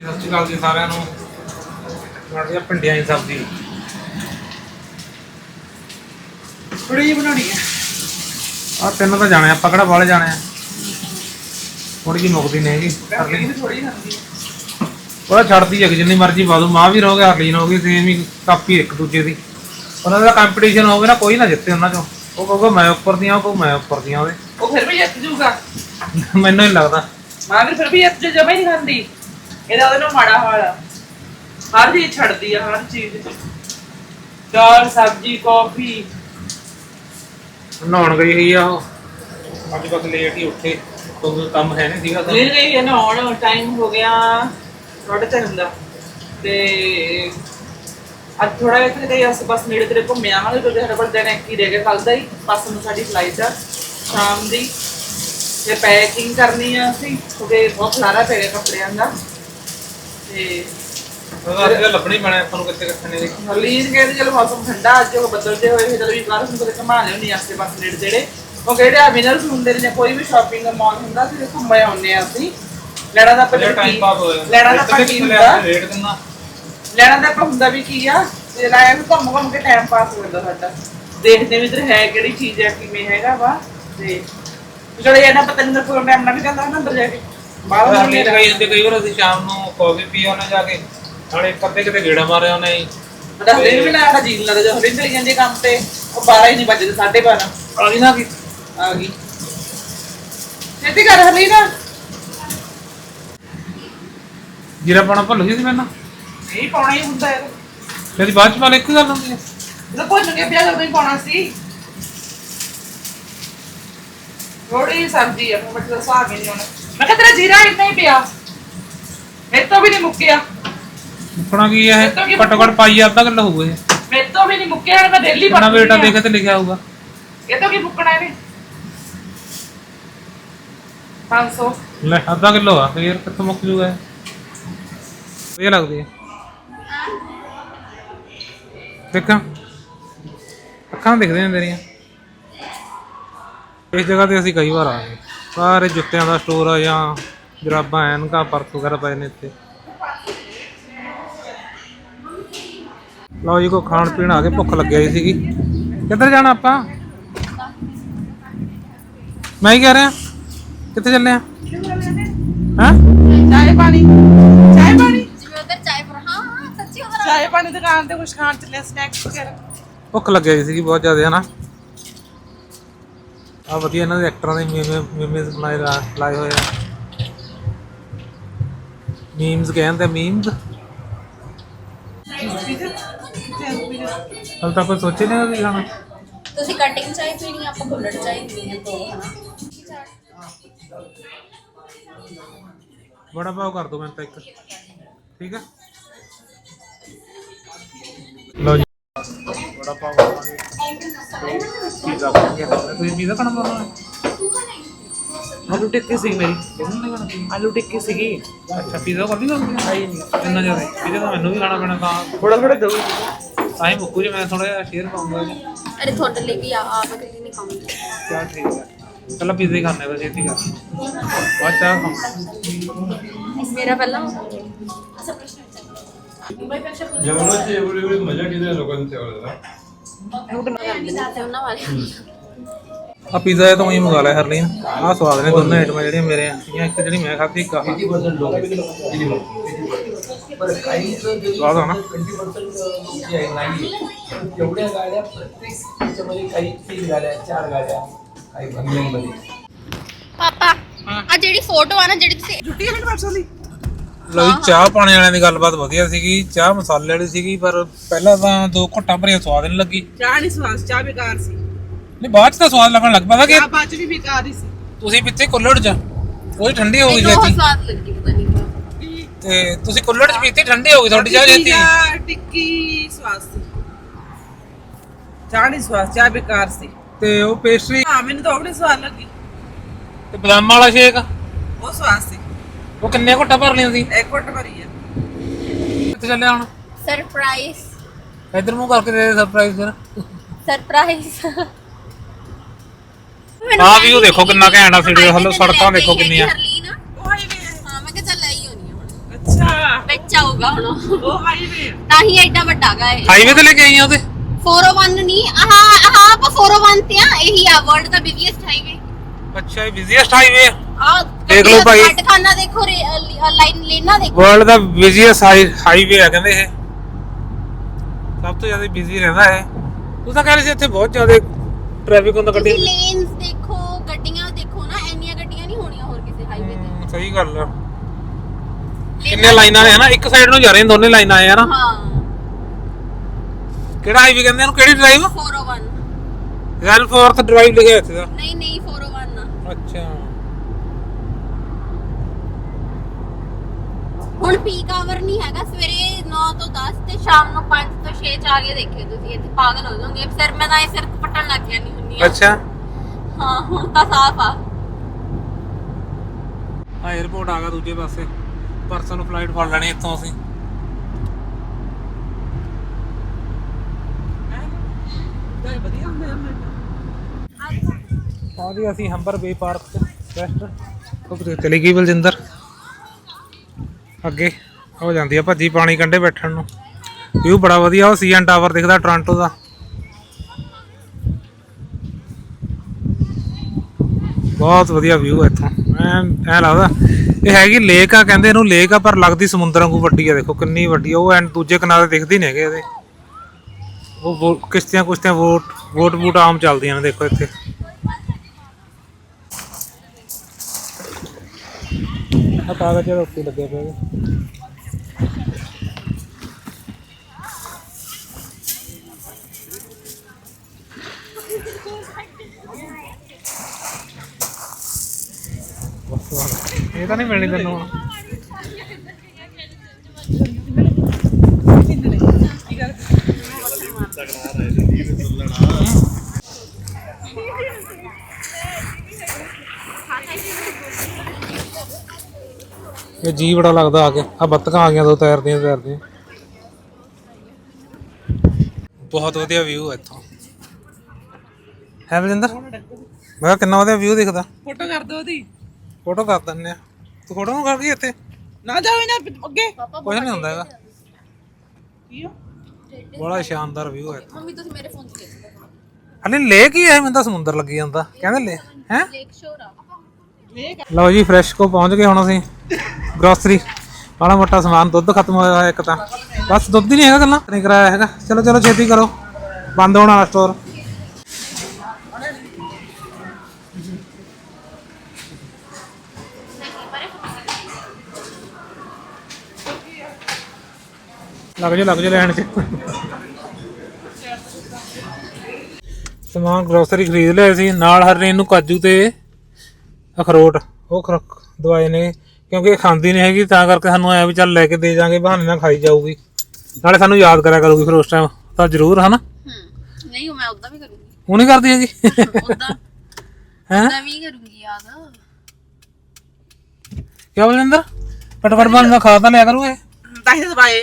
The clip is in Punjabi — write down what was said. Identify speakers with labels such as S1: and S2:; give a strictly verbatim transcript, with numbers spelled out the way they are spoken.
S1: ਸਤਿ ਸ਼੍ਰੀ ਅਕਾਲ ਜੀ ਸਾਰਿਆਂ ਨੂੰ। ਬਣਾਉਣੀ ਆ ਭਿੰਡੀਆਂ ਦੀ ਸਬਜ਼ੀ।
S2: ਥੋੜੀ ਜਿਹੀ ਬਣਾਉਣੀ ਹੈ।
S1: ਆਹ ਤਿੰਨ ਤਾਂ ਜਾਣੇ ਆਪਾਂ ਕਿਹੜਾ ਵਾਲੇ ਜਾਣੇ ਆ। ਥੋੜੀ ਜਿਹੀ ਮੁੱਕਦੀ ਨਹੀਂ ਹੈਗੀ।
S2: ਥੋੜੀ ਖਾਂਦੀ
S1: ਉਹਦਾ ਛੱਡਦੀ ਹੈ ਜਿੰਨੀ ਮਰਜ਼ੀ ਪਾ ਦੂ। ਮਾਂ ਵੀ ਰਹੋਗੇ ਹਰਲੀਨ ਹੋ ਗਈ ਸੇਮ ਹੀ ਕਾਪੀ ਇੱਕ ਦੂਜੇ ਦੀ। ਉਹਨਾਂ ਦਾ ਕੰਪੀਟੀਸ਼ਨ ਹੋਵੇ ਨਾ ਕੋਈ ਨਾ ਜਿੱਤੇ ਉਹਨਾਂ ਚੋਂ। ਉਹ ਕਹੂਗਾ ਮੈਂ ਉੱਪਰ ਦੀਆਂ ਉਹ ਕਹੂ ਮੈਂ ਉੱਪਰ ਦੀਆਂ ਉਹਦੇ।
S2: ਉਹ ਫਿਰ ਵੀ ਜਿੱਤ ਜੂਗਾ
S1: ਮੈਨੂੰ ਨਹੀਂ ਲੱਗਦਾ।
S2: ਮਾਂ ਵੀ ਫਿਰ ਵੀ ਜਿੱਤ ਜਮਾ ਹੀ ਨਹੀਂ ਖਾਂਦੀ। ਇਹਦਾ ਉਹਦੇ ਨਾਲ ਮਾੜਾ ਹਾਲ ਆ। ਹਰ ਚੀਜ਼ ਛੱਡਦੀ ਆ ਹਰ ਚੀਜ਼। ਦਾਲ ਸਬਜ਼ੀ ਕਾਫੀ।
S1: ਨਹਾਉਣ ਗਈ ਹੋਈ ਆ ਉਹ। ਅੱਜ ਬਸ ਲੇਟ ਹੀ ਉੱਠੇ ਕੋਈ ਕੰਮ ਹੈ ਨਹੀਂ ਸੀਗਾ।
S2: ਲੈ ਗਈ ਹੈ ਨਹਾਉਣ। ਟਾਈਮ ਹੋ ਗਿਆ ਸਾਢੇ ਤਿੰਨ ਦਾ। ਤੇ ਅੱਜ ਥੋੜਾ ਜਿਹਾ ਤੇ ਅਸੀਂ ਬਸ ਨੇੜੇ ਤੇੜੇ ਘੁੰਮੇ ਆਵਾਂਗੇ ਕਿਉਂਕਿ ਸਾਡੇ ਕੋਲ ਦਿਨ ਇੱਕ ਹੀ ਰਹਿ ਗਿਆ ਕੱਲ ਦਾ ਹੀ। ਪਰਸੋਂ ਨੂੰ ਸਾਡੀ ਫਲਾਈਟ ਆ ਸ਼ਾਮ ਦੀ। ਤੇ ਪੈਕਿੰਗ ਕਰਨੀ ਆ ਅਸੀਂ ਕਿਉਂਕਿ ਬਹੁਤ ਖਲਾਰਾ ਪੈ ਗਿਆ ਕੱਪੜਿਆਂ ਦਾ। ਤੇ
S1: ਉਹਦਾ ਲੱਭਣੀ ਪੈਣਾ ਆਪਾਂ ਨੂੰ ਕਿੱਥੇ ਕਿੱਥੇ ਨਹੀਂ।
S2: ਹਰਲੀਨ ਕਹਿੰਦੇ ਚਲੋ ਮੌਸਮ ਠੰਡਾ ਅੱਜ ਉਹ ਬਦਲਦੇ ਹੋਏ ਫਿਰ ਚਲੋ ਵੀ ਬਾਹਰ ਨੂੰ ਕਿਤੇ ਘੁਮਾ ਲਿਆਉਂਦੇ ਆਸੇ ਪਾਸੇ ਨੇੜੇ ਤੇੜੇ। ਉਹ ਕਿਹੜੇ ਆ ਵਿਨਰਸ ਹੁੰਦੇ ਨੇ ਜਾਂ ਕੋਈ ਵੀ ਸ਼ਾਪਿੰਗ ਦਾ ਮਾਲ ਹੁੰਦਾ ਸੀ ਘੁੰਮ ਆਉਂਦੇ ਆ ਅਸੀਂ। ਲੈਣਾ ਦਾ ਆਪਾਂ
S1: ਟਾਈਮ ਪਾਸ ਹੋ ਜਾਂਦਾ।
S2: ਲੈਣਾ ਦਾ ਆਪਾਂ ਕੀ ਹੁੰਦਾ
S1: ਰੇਟ ਕਿੰਨਾ
S2: ਲੈਣਾ ਦਾ ਆਪਾਂ ਹੁੰਦਾ ਵੀ ਕੀ ਆ ਤੇ ਲਾਇਆ ਵੀ ਘੁੰਮ ਘੁੰਮ ਕੇ ਟਾਈਮ ਪਾਸ ਹੋ ਜਾਂਦਾ ਸਾਡਾ। ਦੇਖਦੇ ਵੀ ਇੱਧਰ ਹੈ ਕਿਹੜੀ ਚੀਜ਼ ਹੈ ਕਿਵੇਂ ਹੈਗਾ ਵਾ। ਤੇ ਚਲੋ ਇਹਨਾਂ ਪਤਾ ਨਹੀਂ ਪ੍ਰੋਗਰਾਮ ਨਾਲ ਵੀ ਜਾਂਦਾ ਨਾ ਅੰਦਰ ਜਾ ਕੇ ਬਾਹਰ
S1: ਹਰਲੀਨ ਗਈ ਹੁੰਦੀ ਕਈ ਵਾਰ ਅਸੀਂ ਸ਼ਾਮ ਨੂੰ ਕਾਫੀ ਪੀ ਆਉਣੇ ਜਾ ਕੇ। ਨਾਲੇ ਇੱਕ ਅੱਧੇ ਕਿਤੇ ਗੇੜਾ ਮਾਰਿਆ ਉਹਨੇ ਜੀ।
S2: ਹਰਲੀਨ ਵੀ ਨਾ ਜੀਨ ਲੱਗਦਾ ਜਦੋਂ ਹਰਲੀਨ ਚਲੀ ਜਾਂਦੀ ਕੰਮ ਤੇ ਉਹ ਬਾਰਾਂ ਹੀ ਨਹੀਂ ਵੱਜਦੇ ਸਾਢੇ ਬਾਰਾਂ
S1: ਆ ਗਈ ਨਾ ਕੀ
S2: ਆ ਗਈ। ਛੇਤੀ ਕਰ ਹਰਲੀਨ।
S1: ਜੀਰਾ ਪਾਉਣਾ ਭੁੱਲ ਗਈ ਸੀ ਮੈਨੂੰ।
S2: ਨਹੀਂ ਪਾਉਣਾ ਹੀ ਹੁੰਦਾ ਹੈ।
S1: ਤੇਰੀ ਬਾਅਦ ਚ ਪਾ ਲੈ ਇੱਕ ਗੱਲ ਹੁੰਦੀ ਹੈ।
S2: ਜਦੋਂ ਭੁੱਲ ਕੇ ਪਿਆ ਜਦੋਂ ਹੀ ਪਾਉਣਾ ਸੀ। ਥੋੜੀ ਸਬਜ਼ੀ ਆ ਮਤਲਬ ਹਿਸਾਬ ਹੀ ਨਹੀਂ ਹੋਣਾ। ਮੈਂ ਕਿਹਾ ਤੇਰਾ ਜੀਰਾ ਇੰਨਾ ਹੀ ਪਿਆ ਮੇਰੇ ਤੋਂ ਵੀ ਨਹੀਂ ਮੁੱਕਿਆ।
S1: ਮੁੱਕਣਾ ਕੀ ਹੈ ਘੱਟੋ ਘੱਟ ਪਾਈ ਅੱਧਾ ਕਿਲੋ ਹੋਊਗਾ ਇਹ।
S2: ਮੇਰੇ ਤੋਂ ਵੀ ਨਹੀਂ ਮੁੱਕਿਆ ਮੈਂ ਡੇਲੀ
S1: ਨਾ ਬੇਟਾ ਦੇਖੇ ਤੇ ਲਿਖਿਆ ਹੋਊਗਾ।
S2: ਇਹ ਤੋਂ ਕੀ ਮੁੱਕਣਾ ਇਹਨੇ ਪੰਜ ਸੌ।
S1: ਲੈ ਅੱਧਾ ਕਿਲੋ ਆ ਫੇਰ ਕਿੱਥੋਂ ਮੁੱਕ ਜੂਗਾ ਇਹ। ਵਧੀਆ ਲੱਗਦੀ ਹੈ ਦੇਖਾਂ ਅੱਖਾਂ ਦਿਖਦੇ ਨੇ ਤੇਰੀਆਂ। ਇਸ ਜਗ੍ਹਾ ਤੇ ਅਸੀਂ ਕਈ ਵਾਰ ਆ ਗਏ। ਸਾਰੇ ਜੁੱਤਿਆਂ ਦਾ ਸਟੋਰ ਆ ਜਾਂ ਜਰਾਬਾਂ ਐਨਕਾਂ ਪਰਸ ਵਗੈਰਾ ਪਏ ਨੇ ਇੱਥੇ। ਲਓ ਜੀ ਕੋਈ ਖਾਣ ਪੀਣ ਆ ਕੇ ਭੁੱਖ ਲੱਗਿਆ ਹੀ ਸੀਗੀ। ਕਿੱਧਰ ਜਾਣਾ ਆਪਾਂ? ਮੈਂ ਹੀ ਕਹਿ ਰਿਹਾ ਕਿੱਥੇ ਚੱਲੇ ਆ? ਹੈਂ
S2: ਚਾਹ ਪਾਣੀ ਚਾਹ ਪਾਣੀ
S3: ਜਿਵੇਂ ਉਧਰ ਚਾਹ ਪਰ ਹਾਂ ਹਾਂ ਸੱਚੀ ਉਧਰ
S2: ਚਾਹ ਪਾਣੀ ਦੁਕਾਨ ਤੇ ਕੁਝ ਖਾਣ ਚੱਲੇ ਸਨੈਕਸ ਵਗੈਰਾ।
S1: ਭੁੱਖ ਲੱਗਿਆ ਹੀ ਸੀਗੀ ਬਹੁਤ ਜ਼ਿਆਦਾ ਹਨਾ। ਆ ਵਧੀਆ ਇਹਨਾਂ ਦੇ ਐਕਟਰਾਂ ਦੇ ਮੀਮ ਮੀਮਸ ਬਣਾਏ ਲਾਏ ਹੋਏ ਆ। ਮੀਮਸ ਕਹਿੰਦੇ ਮੀਮਸ। ਹਲ ਤਾਂ ਕੋਈ ਸੋਚੇ ਨਹੀਂ ਕੀ ਖਾਣਾ।
S3: ਤੁਸੀਂ ਕਟਿੰਗ ਚਾਹ ਪੀਣੀ ਆਪਾਂ ਕੁੱਲੜ ਚਾਹ ਪੀਣੀ ਤੋਂ ਹਨਾ।
S1: ਬੜਾ ਪਾਓ ਕਰ ਦੋ ਮੈਂ ਤਾਂ ਇੱਕ ਠੀਕ ਆ। ਲਓ ਜੀ ਬੜਾ ਪਾਓ ਖਾਵਾਂਗੇ। ਪੀਜ਼ਾ ਖਾਵਾਂਗੇ। ਤੁਸੀਂ ਪੀਜ਼ਾ ਖਾਣਾ ਚਾਹੁੰਦੇ ਹੋ?
S2: ਆਲੂ ਟਿੱਕੀ ਸੀ ਮੇਰੀ ਆਲੂ ਟਿੱਕੀ ਸੀਗੀ।
S1: ਅੱਛਾ ਪੀਜ਼ਾ ਕਰ ਲਈ ਤੁਸੀਂ?
S2: ਆਈ ਨਹੀਂ
S1: ਇੰਨਾ ਜ਼ਿਆਦਾ ਪੀਜ਼ਾ ਤਾਂ ਮੈਨੂੰ ਵੀ ਖਾਣਾ ਪੈਣਾ ਤਾਂ
S2: ਥੋੜਾ ਥੋੜਾ ਦੋ
S1: ਤਾਂ ਹੀ ਮੁੱਕੂ ਜੇ ਮੈਂ ਥੋੜਾ ਜਿਹਾ ਸ਼ੇਅਰ ਪਾਉਂਗਾ ਜੀ।
S3: ਅਰੇ ਤੁਹਾਡੇ ਲਈ ਵੀ ਆ ਆਪ ਅਕਲੀ ਨਹੀਂ ਖਾਉਂਗੀ।
S1: ਚਲ ਠੀਕ ਹੈ ਪਹਿਲਾਂ ਪੀਜ਼ਾ ਹੀ ਖਾਣੇ ਬਸ ਛੇਤੀ ਕਰ ਬਾਅਦ ਚਾਹ ਖਾਵਾਂਗੇ।
S3: ਮੇਰਾ ਪਹਿਲਾਂ ਅਸਾ प्रश्न विचार
S4: जेवणाची एवढी एवढी मजा केली लोकांनी तेवढं
S3: ਉਹਨਾਂ ਵਾਲੇ
S1: ਆ ਪੀਜ਼ਾ ਇਹ ਤੋਂ ਹੀ ਮੰਗਾ ਲਿਆ ਹਰਲੀਨ। ਆਹ ਸਵਾਦ ਨੇ ਦੋਨੇ ਆਈਟਮਾਂ ਜਿਹੜੀਆਂ ਮੇਰੇ ਆ ਇੱਕ ਜਿਹੜੀ ਮੈਂ ਖਾਧੀ ਇੱਕ ਆਹ ਸਵਾਦ ਆ ਨਾ।
S5: एवढ्या गाड्या प्रत्येक त्याच्यामध्ये काही तीन गाड्या चार गाड्या काही बंगल्यांमध्ये।
S3: ਪਾਪਾ ਆ ਜਿਹੜੀ ਫੋਟੋ ਆ ਨਾ ਜਿਹੜੀ ਤੁਸੀਂ
S2: ਛੁੱਟੀ ਹੈ ਪਰਸੋਂ ਦੀ।
S1: ਲਓ ਜੀ ਚਾਹ ਪਾਣੀ ਵਾਲਿਆਂ ਦੀ ਗੱਲਬਾਤ ਵਧੀਆ ਸੀਗੀ। ਚਾਹ ਮਸਾਲੇ ਵਾਲੀ ਸੀਗੀ ਪਰ ਪਹਿਲਾਂ ਤਾਂ ਦੋ ਘੁੱਟਾਂ ਭਰੀਆਂ ਸਵਾਦ ਨਹੀਂ ਲੱਗੀ।
S2: ਚਾਹ ਨਹੀਂ ਸਵਾਦ ਚਾਹ ਬੇਕਾਰ ਸੀ।
S1: ਨਹੀਂ ਬਾਅਦ ਚ ਤਾਂ ਸਵਾਦ ਲੱਗਣ ਲੱਗ ਪਤਾ ਕਿ
S2: ਚਾਹ ਬਾਅਦ ਚ ਵੀ ਬੇਕਾਰ ਹੀ ਸੀ।
S1: ਤੁਸੀਂ ਪਿੱਛੇ ਕੁੱਲੜ ਚ ਉਹੀ ਠੰਡੀ ਹੋ ਗਈ
S3: ਬਹੁਤ
S1: ਛੇਤੀ
S3: ਸਵਾਦ ਲੱਗੀ ਪਤਾ ਨਹੀਂ
S1: ਤੇ ਤੁਸੀਂ ਕੁੱਲੜ ਚ ਪੀਤੀ ਠੰਡੀ ਹੋ ਗਈ ਤੁਹਾਡੀ ਚਾਹ ਛੇਤੀ।
S2: ਚਾਹ ਟਿੱਕੀ ਸਵਾਦ ਸੀ। ਚਾਹ ਨਹੀਂ ਸਵਾਦ ਚਾਹ ਬੇਕਾਰ ਸੀ।
S1: ਤੇ ਉਹ ਪੇਸਟਰੀ
S2: ਹਾਂ ਮੈਨੂੰ ਤਾਂ ਉਹ ਬੜੀ ਸਵਾਦ ਲੱਗੀ।
S1: ਤੇ ਬਦਾਮਾਂ ਵਾਲਾ ਸ਼ੇਕ
S2: ਉਹ ਸਵਾਦ ਸੀ।
S1: ਉਹ ਕਿੰਨੇ ਘੁੱਟਾਂ ਭਰ ਲਈਆਂ ਸੀ?
S2: ਇੱਕ ਘੁੱਟ ਭਰੀ ਆ।
S1: ਕਿੱਥੇ ਚੱਲੇ ਹੁਣ?
S3: ਸਰਪ੍ਰਾਈਜ਼
S1: ਇੱਧਰ ਮੂੰਹ ਕਰਕੇ ਦੇ ਸਰਪ੍ਰਾਈਜ਼ ਫਿਰ।
S3: ਸਰਪ੍ਰਾਈਜ਼
S1: ਆਹ ਵੀ ਉਹ ਦੇਖੋ ਕਿੰਨਾ ਘੈਂਟ ਆ ਸੀੜੇ ਹਲੋ ਸੜਕਾਂ ਦੇਖੋ ਕਿੰਨੀਆਂ।
S3: ਹਾਂ ਮੈਂ ਕਿਹਾ ਚੱਲ ਆਈ ਹੋਣੀ ਹੁਣ।
S2: ਅੱਛਾ ਅੱਛਾ
S3: ਵਿੱਚ ਆਊਗਾ ਹੁਣ
S2: ਉਹ ਹਾਈਵੇ
S3: ਤਾਂ ਹੀ ਐਡਾ ਵੱਡਾ ਗਾ ਇਹ
S1: ਹਾਈਵੇ ਤੇ ਲੈ ਕੇ ਆਈਆਂ ਉਹਦੇ
S3: four oh one ਨਹੀਂ ਆਹ ਆਹ ਆਪਾਂ four oh one ਤੇ ਆ ਇਹੀ ਆ ਵਰਲਡ ਦਾ ਬਿਜ਼ੀਐਸਟ ਹਾਈਵੇ
S1: ਅੱਛਾ ਇਹ ਬਿਜ਼ੀਐਸਟ ਹਾਈਵੇ
S3: ਆ
S1: ਦੇਖ ਲਓ ਭਾਈ।
S3: ਖਾਨਾ ਦੇਖੋ ਲਾਈਨ ਲੈਣਾ ਦੇਖੋ
S1: ਵਰਲਡ ਦਾ ਬਿਜ਼ੀਐਸਟ ਹਾਈਵੇ ਆ ਕਹਿੰਦੇ ਇਹ ਸਭ ਤੋਂ ਜ਼ਿਆਦਾ ਬਿਜ਼ੀ ਰਹਿੰਦਾ ਇਹ ਤੂੰ ਤਾਂ ਕਹਿ ਰਹੀ ਸੀ ਇੱਥੇ ਬਹੁਤ ਜ਼ਿਆਦਾ ਟ੍ਰੈਫਿਕ ਹੁੰਦਾ ਗੱਡੀ
S3: ਤੁਸੀਂ ਲੇਨਸ ਦੇਖੋ ਗੱਡੀਆਂ ਦੇਖੋ ਨਾ ਇੰਨੀਆਂ ਗੱਡੀਆਂ ਨਹੀਂ ਹੋਣੀਆਂ ਹੋਰ ਕਿਸੇ ਹਾਈਵੇ ਤੇ
S1: ਸਹੀ ਗੱਲ ਆ ਕਿੰਨੇ ਲਾਈਨਾਂ ਨੇ ਹਨਾ ਇੱਕ ਸਾਈਡ ਨੂੰ ਜਾ ਰਹੀਆਂ ਦੋਨੇ ਲਾਈਨਾਂ ਆ ਨਾ
S3: ਹਾਂ
S1: ਕਿਹੜਾ ਹਾਈਵੇ ਕਹਿੰਦੇ ਇਹਨੂੰ ਕਿਹੜੀ ਡਰਾਈਵ
S3: four oh one
S1: ਰੈਲ ਫੋਰਥ ਡਰਾਈਵ ਲਿਖਿਆ ਇੱਥੇ ਦਾ
S3: ਨਹੀਂ ਨਹੀਂ four oh one ਆ
S1: ਅੱਛਾ
S3: ਹੁਣ ਪੀਕ ਆਵਰ ਨਹੀਂ ਹੈਗਾ ਸਵੇਰੇ ਨੌ ਤੋਂ ਦਸ ਤੇ ਸ਼ਾਮ ਨੂੰ ਪੰਜ ਤੋਂ ਛੇ ਚ ਆ ਕੇ ਦੇਖਿਓ ਤੁਸੀਂ ਇੱਥੇ ਪਾਗਲ ਹੋ ਜਾਓਗੇ ਸਿਰ ਮੈਂ ਤਾਂ ਇਹ ਸਿਰ ਪਟਣ ਲੱਗ ਜਾਂਦੀ ਹੁੰਦੀ ਆ
S1: ਅੱਛਾ
S3: ਹਾਂ ਹੁਣ ਤਾਂ ਸਾਫ਼ ਆ
S1: ਆ 에어ਪੋਰਟ ਆ ਗਿਆ ਦੂਜੇ ਪਾਸੇ ਪਰਸੋਂ ਨੂੰ ਫਲਾਈਟ ਫੜ ਲੈਣੀ ਇੱਥੋਂ ਅਸੀਂ
S2: ਵਧੀਆ ਹੁੰਦੇ
S1: ਆ ਜੀ ਅਸੀਂ ਹੰਬਰ ਬੇ ਪਾਰਕ ਚ ਰੈਸਟ ਉਹ ਚਲੀ ਗਈ ਬਲਜਿੰਦਰ ਅੱਗੇ ਹੋ ਜਾਂਦੀ ਆ ਭੱਜੀ ਪਾਣੀ ਕੰਢੇ ਬੈਠਣ ਨੂੰ ਵਿਊ ਬੜਾ ਵਧੀਆ ਉਹ ਸੀਐਨ ਟਾਵਰ ਦਿਖਦਾ ਟੋਰਾਂਟੋ ਦਾ ਬਹੁਤ ਵਧੀਆ ਵਿਊ ਹੈ ਇੱਥੋਂ ਐ ਐ ਲੱਗਦਾ ਇਹ ਹੈਗੀ ਲੇਕ ਆ ਕਹਿੰਦੇ ਇਹਨੂੰ ਲੇਕ ਆ ਪਰ ਲੱਗਦੀ ਸਮੁੰਦਰ ਵਾਂਗੂ ਵੱਡੀ ਆ ਦੇਖੋ ਕਿੰਨੀ ਵੱਡੀ ਆ ਉਹ ਐਂ ਦੂਜੇ ਕਿਨਾਰੇ ਦਿਖਦੀ ਨਹੀਂ ਹੈਗੇ ਇਹਦੇ ਉਹ ਕਿਸ਼ਤੀਆਂ ਕੁਸ਼ਤੀਆਂ ਵੋਟ ਵੋਟ ਵੋਟ ਆਮ ਚੱਲਦੀਆਂ ਨੇ ਦੇਖੋ ਇੱਥੇ ਆ ਕਾਗਜ਼ ਦੇ ਉੱਤੇ ਲੱਗੇ ਪਏ ਇਹ ਤਾਂ ਨਹੀਂ ਮਿਲਣੀ ਤੈਨੂੰ ਹੁਣ ਇਹ ਜੀ ਬੜਾ ਲੱਗਦਾ ਆ ਕੇ ਆ ਬੱਤਕਾਂ ਆ ਗਈਆਂ ਦੋ ਤੈਰਦੀਆਂ ਤੈਰਦੀਆਂ ਬਹੁਤ ਵਧੀਆ ਵਿਊ ਹੈ ਇੱਥੋਂ ਹੈ ਬਲਜਿੰਦਰ ਮੈਂ ਕਿਹਾ ਕਿੰਨਾ ਵਧੀਆ ਵਿਊ ਦਿਖਦਾ
S2: ਫੋਟੋ ਕਰ ਦੋ ਉਹਦੀ
S1: ਫੋਟੋ ਕਰ ਦਿੰਦੇ ਆ ਤੂੰ ਫੋਟੋ ਨੂੰ ਕਰ ਗਈ ਇੱਥੇ
S2: ਨਾ ਜਾਓ ਇਹਨਾਂ ਅੱਗੇ
S1: ਕੁਝ ਨਹੀਂ ਹੁੰਦਾ ਹੈਗਾ
S2: ਕੀ ਆ
S1: ਬੜਾ ਸ਼ਾਨਦਾਰ ਵਿਊ ਹੈ
S3: ਮੰਮੀ ਤੁਸੀਂ ਮੇਰੇ ਫੋਨ 'ਚ ਦੇਖ ਲਓ
S1: ਹਲੇ ਲੇਕ ਹੀ ਹੈ ਮੈਨੂੰ ਤਾਂ ਸਮੁੰਦਰ ਲੱਗੀ ਜਾਂਦਾ ਕਹਿੰਦੇ ਲੈ ਹੈ
S3: ਲੇਕ ਸ਼ੋਰ ਆ
S1: ਲਓ ਜੀ ਫਰੈਸ਼ ਕੋ ਪਹੁੰਚ ਗਏ ਹੁਣ ਅਸੀਂ ਗਰੋਸਰੀ ਮਾੜਾ ਮੋਟਾ ਸਮਾਨ ਦੁੱਧ ਖਤਮ ਹੋਇਆ ਹੋਇਆ ਇੱਕ ਤਾਂ ਬਸ ਦੁੱਧ ਹੀ ਨਹੀਂ ਹੈਗਾ ਗੱਲਾਂ ਨਹੀਂ ਕਰਾਇਆ ਹੈਗਾ ਚਲੋ ਚਲੋ ਛੇਤੀ ਕਰੋ ਬੰਦ ਹੋਣ ਵਾਲਾ ਸਟੋਰ ਲੱਗ ਜਾ ਲੱਗ ਜਾ ਲੈਣ ਚ ਸਮਾਨ ਗਰੋਸਰੀ ਖਰੀਦ ਲਿਆ ਸੀ ਨਾਲ ਹਰਨੇ ਨੂੰ ਕਾਜੂ ਤੇ ਅਖਰੋਟ ਉਹ ਖਰਕ ਦਵਾਈ ਨੇ ਕਿਉਂਕਿ ਇਹ ਖਾਂਦੀ ਨਹੀਂ ਹੈਗੀ ਤਾਂ ਕਰਕੇ ਸਾਨੂੰ ਆਇਆ ਵੀ ਚੱਲ ਲੈ ਕੇ ਦੇ ਜਾਾਂਗੇ ਬਹਾਨੇ ਨਾਲ ਖਾਈ ਜਾਊਗੀ ਨਾਲੇ ਸਾਨੂੰ ਯਾਦ ਕਰਿਆ ਕਰੂਗੀ ਫਿਰ ਉਸ ਟਾਈਮ ਤਾਂ ਜ਼ਰੂਰ ਹਨਾ
S3: ਹੂੰ ਨਹੀਂ ਮੈਂ ਉਦਾਂ ਵੀ ਕਰੂੰਗੀ
S1: ਉਹ ਨਹੀਂ ਕਰਦੀ ਹੈਗੀ
S3: ਉਦਾਂ
S1: ਹੈ
S3: ਉਦਾਂ ਵੀ ਕਰੂੰਗੀ ਯਾਦ
S1: ਕਿਆ ਬਲਜਿੰਦਰ ਪਟਪਟ ਬਣ ਦਾ ਖਾ ਤਾਂ ਲਿਆ ਕਰੂ ਇਹ
S2: ਤਾਂ ਹੀ ਤਾਂ ਦਵਾਈ